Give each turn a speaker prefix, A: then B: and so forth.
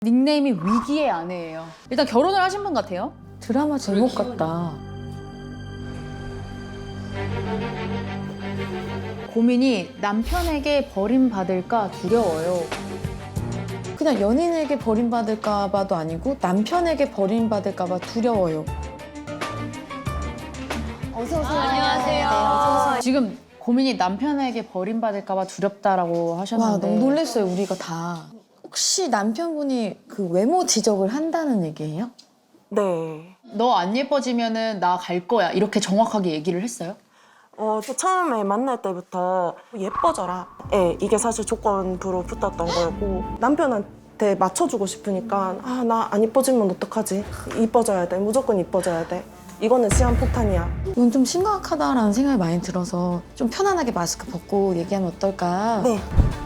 A: 닉네임이 위기의 아내예요. 일단 결혼을 하신 분 같아요?
B: 드라마 제목 같다.
A: 고민이 남편에게 버림받을까 두려워요.
B: 그냥 연인에게 버림받을까 봐도 아니고 남편에게 버림받을까 봐 두려워요. 어서 오세요.
A: 안녕하세요.
B: 네, 어서 오세요.
A: 지금 고민이 남편에게 버림받을까 봐 두렵다라고
B: 와,
A: 하셨는데
B: 너무 놀랐어요, 우리가 다. 혹시 남편분이 그 외모 지적을 한다는 얘기예요?
C: 네.
A: 너 안 예뻐지면은 나 갈 거야 이렇게 정확하게 얘기를 했어요?
C: 저 처음에 만날 때부터 예뻐져라. 예, 이게 사실 조건부로 붙었던 거였고 남편한테 맞춰주고 싶으니까 아, 나 안 이뻐지면 어떡하지? 이뻐져야 돼. 무조건 이뻐져야 돼. 이거는 시한폭탄이야.
B: 이건 좀 심각하다라는 생각이 많이 들어서 좀 편안하게 마스크 벗고 얘기하면 어떨까?
C: 네.